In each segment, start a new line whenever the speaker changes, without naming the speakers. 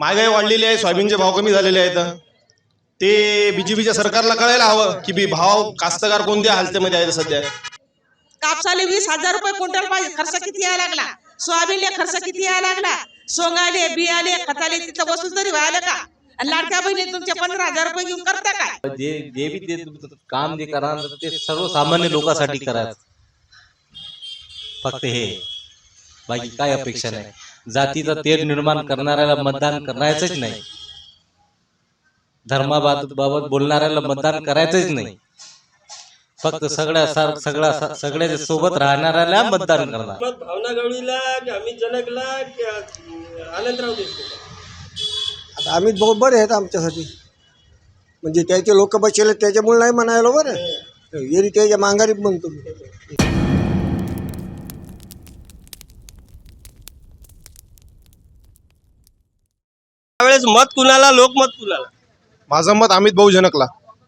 महागाई वाढलेली आहे, सोयाबीनचे भाव कमी झालेले आहेत. ते बीजेपीच्या सरकारला कळायला हवं की भाव कास्तकार कोणत्या हालतीमध्ये आहेत सध्या.
कापसाले 20,000 रुपये क्विंटल पाहिजे, खर्च किती यायला लागला, सोयाबीनले खर्च किती यायला लागला, सोंगाले बियाले खताले तिथं वस्तू तरी व्हायला का. आणि लाडक्या बहिणी तुमचे 15,000 रुपये घेऊन करता काय.
जे बी ते काम जे करणार ते सर्वसामान्य लोकांसाठी करायचं, फक्त हे, बाकी काय अपेक्षा नाही. जातीचा तेढ निर्माण करणाऱ्याला मतदान करायचंच नाही, धर्माबाबत बोलणाऱ्याला मतदान करायचंच नाही, फक्त सगळ्या सोबत राहणाऱ्याला मतदान करणार.
भावना गवळीला की अमित जनकला की आनंदराव देशमुख.
आता अमित भाऊ बरे आहेत आमच्यासाठी, म्हणजे त्याचे लोक बसले त्याच्यामुळे नाही म्हणायला बरं, येरी त्याच्या मांगारी म्हणतो.
त्यावेळेस मत कुणाला, लोकमत कुणाला?
माझं मत अमित भाऊ जनकला.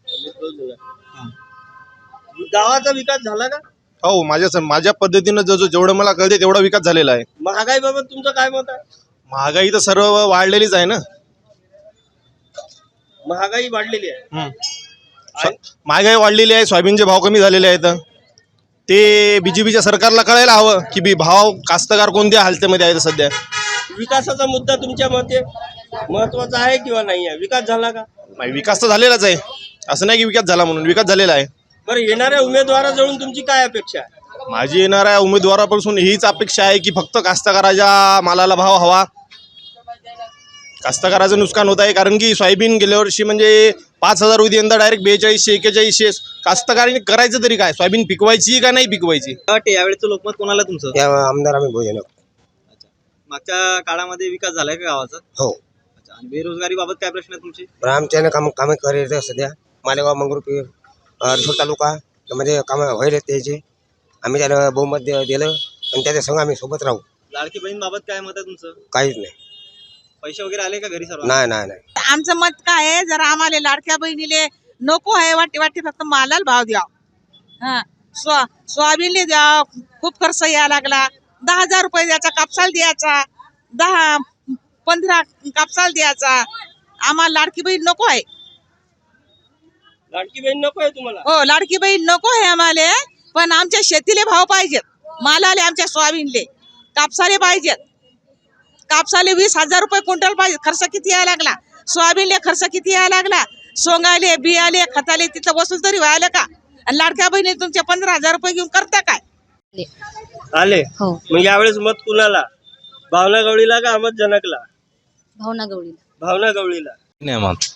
गावाचा विकास झाला का?
हो, माझ्या पद्धतीनं जेवढं मला कळते तेवढा विकास झालेला आहे.
महागाई बाबत तुमचं काय मत आहे?
महागाई तर सर्व वाढलेलीच आहे ना.
महागाई वाढलेली आहे.
महागाई वाढलेली आहे, सोयाबीनचे भाव कमी झालेले आहेत. ते बीजेपीच्या सरकारला कळायला हवं की भाव कास्तकार कोणत्या हालतीमध्ये आहेत सध्या.
विकासाचा मुद्दा तुमच्या मते महत्वाचा आहे किंवा नाही आहे? विकास झाला का?
नाही, विकास तर झालेलाच आहे, असं नाही की विकास झाला म्हणून. विकास झालेला आहे.
बरं, येणाऱ्या उमेदवाराजवळून तुमची काय अपेक्षा आहे?
माझी येणाऱ्या उमेदवारापासून हीच अपेक्षा आहे की फक्त कास्तकाराच्या मालाला भाव हवा. कास्तकाराचं नुकसान होत आहे, कारण की सोयाबीन गेल्या वर्षी म्हणजे 5,000 होती, यंदा डायरेक्ट 4200 4100. कास्तकाराने करायचं तरी काय, सोयाबीन पिकवायची का नाही पिकवायची.
यावेळेचं लोकमत कोणाला तुमचं?
आमदार आम्ही भोजन.
मागच्या काळामध्ये विकास झालाय का गावाचा?
हो.
अच्छा, आणि बेरोजगारी बाबत काय प्रश्न आहे तुमचे?
आमच्यानं कामे करायचं सध्या. मालेगाव मंगरुळपीर रिसोड तालुका मध्ये कामं व्हायला त्याचे, आम्ही त्याला बहुमत दिलं आणि त्याच्या संग आम्ही सोबत राहू.
लाडकी बहीण बाबत काय मत आहे तुमचं?
काहीच नाही.
पैसे वगैरे आले का घरी सर्व?
नाही नाही नाही.
आमचं मत काय आहे, जरा आम्हाला लाडक्या बहिणीले नको आहे, वाटे फक्त मालाला भाव द्या. हा, सोयाबीनले द्या, खूप खर्च यायला लागला. 10,000 रुपये द्यायचा, कापसाला द्यायचा, 10-15 कापसाला द्यायचा. आम्हाला लाडकी बहीण नको आहे.
लाडकी बहीण नको आहे तुम्हाला?
हो, लाडकी बहीण नको आहे आम्हाला, पण आमच्या शेतीले भाव पाहिजेत, मालाले, आमच्या सोयाबीनले, कापसाले पाहिजेत. कापसाले 20,000 रुपये क्विंटल पाहिजे, खर्च किती यायला लागला, सोयाबीनले खर्च किती यायला लागला, सोंगाले बियाले खताले तिथं वस्तू तरी व्हायला का. आणि लाडक्या बहिणी तुमचे 15,000 रुपये घेऊन करता काय.
आले.
हो,
मग यावेळेस मत कुणाला? भावना गवळीला का अमित जनकला?
भावना गवळीला.
भावना गवळीला.
नाही मत.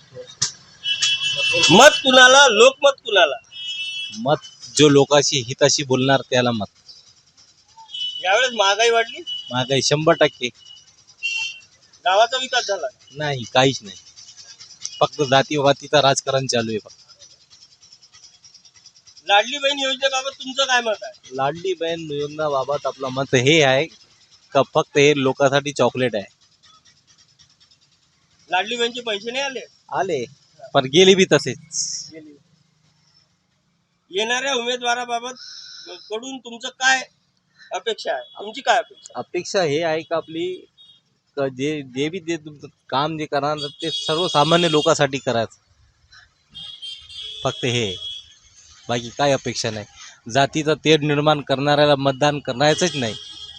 मत कुणाला, लोकमत कुणाला?
मत जो लोकांशी हिताशी बोलणार त्याला मत.
यावेळेस महागाई वाढली,
महागाई 100%.
गावाचा विकास झाला.
नाही, काहीच नाही, फक्त जातीवातीचं राजकारण चालू आहे. फक्त
लाडली बहीण योजनेबाबत तुमचं काय मत आहे?
लाडली बहीण योजनाबाबत आपलं मत हे आहे का फक्त हे लोकांसाठी चॉकलेट आहे.
लाडली बहीणचे पैसे नाही आले?
आले, पण गेले बी तसेच.
येणाऱ्या उमेदवाराबाबत कडून तुमचं काय अपेक्षा आहे? तुमची काय अपेक्षा?
अपेक्षा हे आहे का आपली जे बी ते काम जे करणार ते सर्वसामान्य लोकांसाठी करायचं, फक्त हे, बाकी काय अपेक्षा नाही. जातीचा तेढ निर्माण करणाऱ्याला मतदान करायचंच नाही,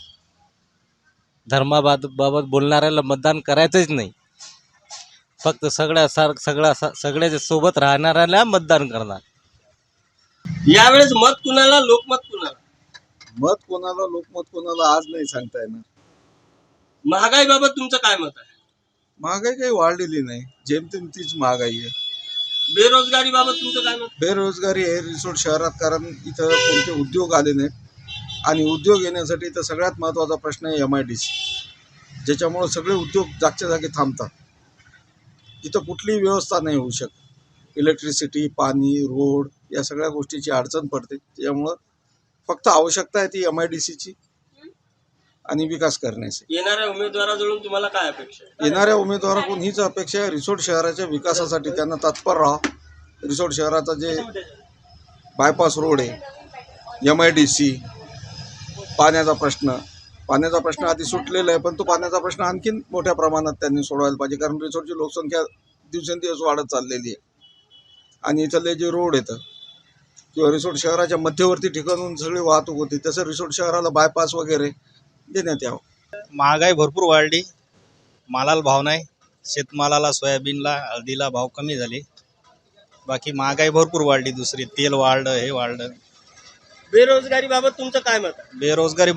धर्माबाबत बोलणाऱ्याला मतदान करायचंच नाही, फक्त सगळ्या सोबत राहणाऱ्याला मतदान करणार.
यावेळेस मत कुणाला, लोकमत कुणाला?
मत कोणाला, लोकमत कोणाला आज नाही सांगता येणार.
महागाई बाबत तुमचं काय मत आहे?
महागाई काही वाढलेली नाही, जेमतेम तीच महागाई आहे.
बेरोजगारी बाबत तुमचं काय मत?
बेरोजगारी आहे रिसोड शहरात, कारण इथं कोणते उद्योग आले नाहीत आणि उद्योग येण्यासाठी इथं सगळ्यात महत्त्वाचा प्रश्न आहे MIDC, ज्याच्यामुळं सगळे उद्योग जागच्या जागी थांबतात. इथं कुठलीही व्यवस्था नाही होऊ शकत. इलेक्ट्रिसिटी, पाणी, रोड या सगळ्या गोष्टीची अडचण पडते. त्याच्यामुळं फक्त आवश्यकता आहे ती MIDCची आणि विकास करण्याची.
येणाऱ्या उमेदवाराजवळून तुम्हाला काय अपेक्षा आहे?
येणाऱ्या उमेदवाराकडून हीच अपेक्षा आहे, रिसोड शहराच्या विकासासाठी त्यांना तत्पर राहा. रिसोड शहराचा जे बायपास रोड आहे, MIDC, पाण्याचा प्रश्न, पाण्याचा प्रश्न आधी सुटलेला आहे, पण तो पाण्याचा प्रश्न आणखीन मोठ्या प्रमाणात त्यांनी सोडवायला पाहिजे, कारण रिसोर्टची लोकसंख्या दिवसेंदिवस वाढत चाललेली आहे. आणि इथले जे रोड येतं किंवा रिसोर्ट शहराच्या मध्यवर्ती ठिकाणून सगळी वाहतूक होती, तसं रिसोर्ट शहराला बायपास वगैरे देण्यात यावं.
महागाई भरपूर वाढली, मालाला भाव नाही, शेतमालाला सोयाबीनला हळदीला भाव कमी झाले. बाकी महागाई भरपूर वाढली, दुसरी तेल वाढलं, हे वाढलं.
बेरोजगारी बाबत तुमचं काय मत आहे?
बेरोजगारी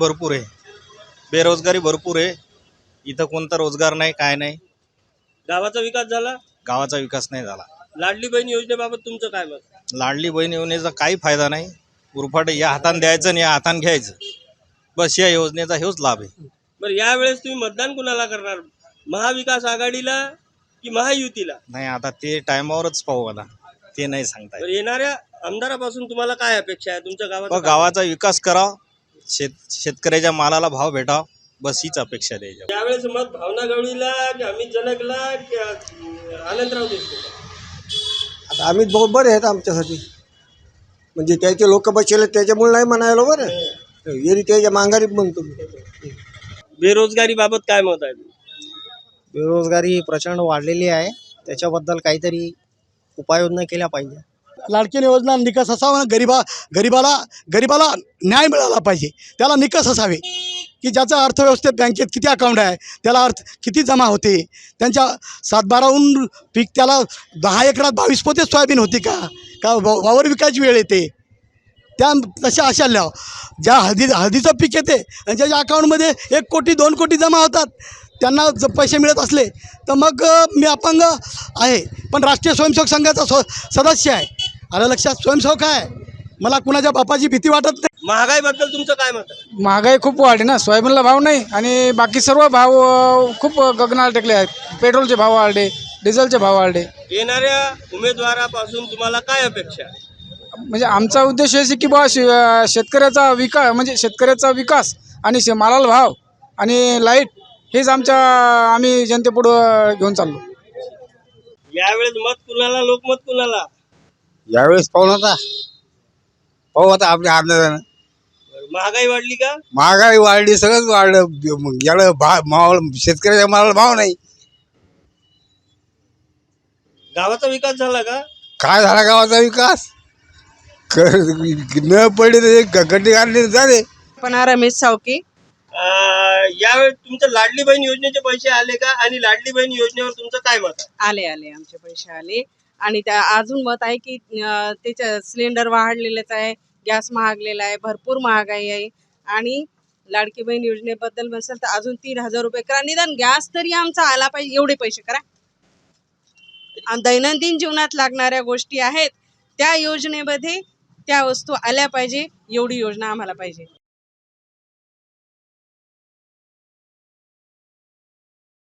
भरपूर आहे. इथं कोणता रोजगार नाही, काय नाही.
गावाचा विकास झाला?
गावाचा विकास नाही झाला.
लाडली बहीण योजनेबाबत तुमचं काय मत आहे?
लाडली बहीण योजनेचा काही फायदा नाही. उरफाट या हाताने द्यायचं आणि या हाताने घ्यायचं, बस या योजनेचा हेच लाभ आहे.
बरं, यावेळेस तुम्ही मतदान कुणाला करणार? महाविकास आघाडीला की महायुतीला?
नाही, आता ते टायमावरच पाहू, आता ते नाही सांगता येत.
बरं, येणाऱ्या आमदारापासून तुम्हाला काय अपेक्षा आहे? तुमच्या गावाचा
गावाचा विकास करा, शेतकऱ्याच्या मालाला भाव भेटाव, बस हीच अपेक्षा द्यायची.
यावेळेस मत भावना गवळीला की अमित जनकला की आनंदराव देशमुख?
आता आम्ही बरोबर आहेत आमच्यासाठी, म्हणजे त्याचे लोक बसले त्याच्यामुळे नाही म्हणायला बरं, येरी त्याच्या मांगारी म्हणतो.
बेरोजगारी बाबत काय मत आहे?
बेरोजगारी प्रचंड वाढलेली आहे, त्याच्याबद्दल काहीतरी उपाययोजना केल्या पाहिजे.
लाडकी योजना निकष असावा, गरीबाला न्याय मिळाला पाहिजे, त्याला निकष असावे की ज्याचा अर्थव्यवस्थेत बँकेत किती अकाउंट आहे, त्याला किती जमा होते, त्यांच्या 7-12हून पीक त्याला 10 एकरात 22 पोते सोयाबीन होती का वावर विकायची वेळ येते. त्या तशा अशा ज्या हळदीचं पीक येते आणि ज्याच्या अकाउंटमध्ये 1 कोटी 2 कोटी जमा होतात, त्यांना जर पैसे मिळत असले तर मग मी अपंग आहे, पण राष्ट्रीय स्वयंसेवक संघाचा सदस्य आहे. आलं लक्षात? स्वयंसेवक आहे, मला कुणाच्या बापाची भीती वाटत नाही.
महागाईबद्दल तुमचं काय मत आहे?
महागाई खूप वाढली ना, सोयाबीनला भाव नाही आणि बाकी सर्व भाव खूप गगनाला टेकले आहेत. पेट्रोलचे भाव वाढले, डिझेलचे भाव वाढले.
येणाऱ्या उमेदवारापासून तुम्हाला काय अपेक्षा आहे?
म्हणजे आमचा उद्देश आहे की बा शेतकऱ्याचा विकास आणि मालाला भाव आणि लाईट हेच आम्ही जनतेपुढं घेऊन चाललो.
यावेळेस मत कुणाला, लोकमत कुणाला?
यावेळेस पाहू आता आपल्या आनंदानं.
महागाई वाढली का?
महागाई वाढली, सगळंच वाढलं, याला शेतकऱ्याच्या मालाला भाव नाही.
गावाचा विकास झाला का?
काय झाला गावाचा विकास? न पडले गड्डे काढले झाले.
पण रमेश सावकी.
यावेळेस तुमच्या लाडली बहीण योजनेचे पैसे आले का? आणि लाडली बहीण योजनेवर तुमचं काय मत आहे?
आले आमचे पैसे आले. आणि त्या अजून मत आहे की त्याच्या सिलेंडर वाढलेलेच आहे, गॅस महागलेला आहे, भरपूर महागाई आहे. आणि लाडकी बहीण योजनेबद्दल म्हणसाल तर अजून 3,000 रुपये करा, निदान गॅस तरी आमचा आला पाहिजे, एवढे पैसे करा. आणि दैनंदिन जीवनात लागणाऱ्या गोष्टी आहेत त्या योजनेमध्ये त्या वस्तू आल्या पाहिजे, एवढी योजना आम्हाला पाहिजे.